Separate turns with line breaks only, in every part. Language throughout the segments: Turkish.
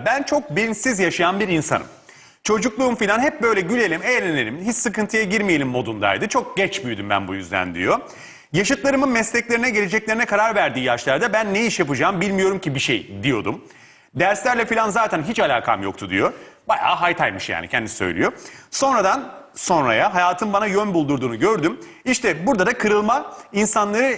Ben çok bilinçsiz yaşayan bir insanım. Çocukluğum falan hep böyle gülelim, eğlenelim, hiç sıkıntıya girmeyelim modundaydı. Çok geç büyüdüm ben bu yüzden diyor. Yaşıtlarımın mesleklerine, geleceklerine karar verdiği yaşlarda ben ne iş yapacağım bilmiyorum ki bir şey diyordum. Derslerle falan zaten hiç alakam yoktu diyor. Bayağı haytaymış yani kendisi söylüyor. Sonradan sonraya hayatın bana yön buldurduğunu gördüm. İşte burada da kırılma insanları...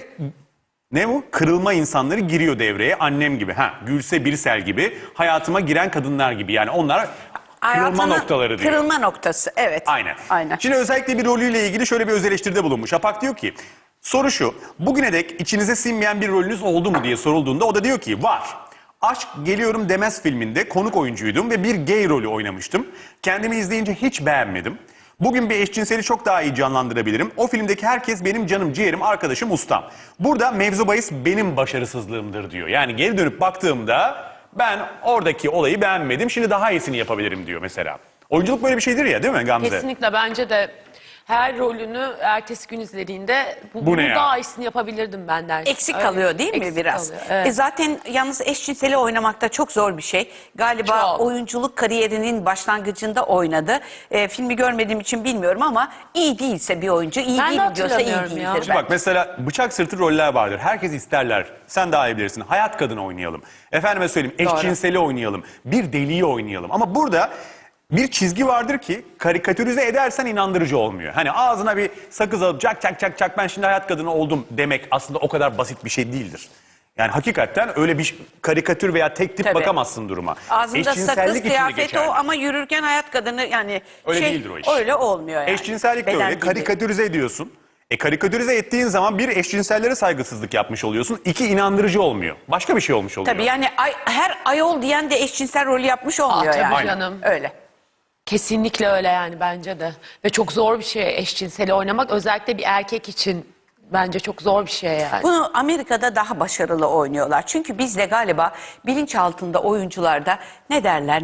Ne bu? Kırılma insanları giriyor devreye. Annem gibi, Gülse Birsel gibi, hayatıma giren kadınlar gibi. Yani onlar kırılma noktaları diyor.
Kırılma noktası, evet.
Aynen. Şimdi özellikle bir rolüyle ilgili şöyle bir öz eleştiride bulunmuş. Apak diyor ki, soru şu, bugüne dek içinize sinmeyen bir rolünüz oldu mu diye sorulduğunda o da diyor ki, var. Aşk Geliyorum Demez filminde konuk oyuncuydum ve bir gay rolü oynamıştım. Kendimi izleyince hiç beğenmedim. Bugün bir eşcinseli çok daha iyi canlandırabilirim. O filmdeki herkes benim canım, ciğerim, arkadaşım, ustam. Burada mevzu bahis benim başarısızlığımdır diyor. Yani geri dönüp baktığımda ben oradaki olayı beğenmedim. Şimdi daha iyisini yapabilirim diyor mesela. Oyunculuk böyle bir şeydir ya, değil mi Gamze?
Kesinlikle, bence de her rolünü ertesi gün izlediğinde
Bu
bunu
ne ya?
daha iyisini yapabilirdim ben dersin.
Eksik kalıyor değil mi
Eksik
biraz?
kalıyor, evet.
Zaten yalnız eşcinseli oynamak da çok zor bir şey. Galiba
Çok.
oyunculuk kariyerinin başlangıcında oynadı. Filmi görmediğim için bilmiyorum ama iyi değilse bir oyuncu, iyi
Ben de
değilim diyorsa iyi
hatırlamıyorum ya.
değildir.
Şimdi bak mesela bıçak sırtı roller vardır. Herkes isterler. Sen daha iyi bilirsin. Hayat kadını oynayalım. Efendime söyleyeyim eşcinseli oynayalım. Bir deliği oynayalım. Ama burada bir çizgi vardır ki karikatürize edersen inandırıcı olmuyor. Hani ağzına bir sakız alıp çak ben şimdi hayat kadını oldum demek aslında o kadar basit bir şey değildir. Yani hakikaten öyle bir karikatür veya tek tip
Tabii.
bakamazsın duruma.
Ağzında sakız,
Eşcinsellik için de
kıyafet
geçerli.
o ama yürürken hayat kadını yani
Öyle değildir o iş.
öyle olmuyor yani.
Eşcinsellik de
Beden
öyle.
dili.
Karikatürize ediyorsun. Karikatürize ettiğin zaman bir, eşcinsellere saygısızlık yapmış oluyorsun. İki, inandırıcı olmuyor. Başka bir şey olmuş oluyor.
Tabii yani her ayol diyen de eşcinsel rolü yapmış olmuyor
tabii
yani.
canım.
Öyle.
Kesinlikle öyle yani, bence de. Ve çok zor bir şey eşcinseli oynamak. Özellikle bir erkek için bence çok zor bir şey yani.
Bunu Amerika'da daha başarılı oynuyorlar. Çünkü bizde galiba bilinçaltında oyuncularda ne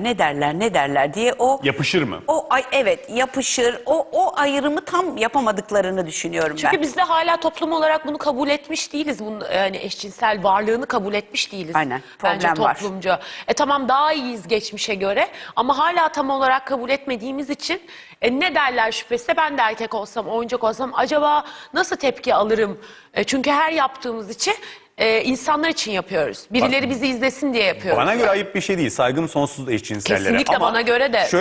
derler diye o...
Yapışır mı?
Evet, yapışır. O ayrımı tam yapamadıklarını düşünüyorum ben.
Çünkü biz de hala toplum olarak bunu kabul etmiş değiliz. Bunu, yani eşcinsel varlığını kabul etmiş değiliz.
Aynen,
Bence
problem var.
toplumca. Tamam, daha iyiyiz geçmişe göre ama hala tam olarak kabul etmediğimiz için ne derler şüphesi, ben de erkek olsam, oyuncak olsam acaba nasıl tepki alırım? Çünkü her yaptığımız için insanlar için yapıyoruz. Birileri bizi izlesin diye yapıyoruz.
Bana göre ayıp bir şey değil. Saygım sonsuz eşcinsellere.
Kesinlikle
Ama
bana göre de.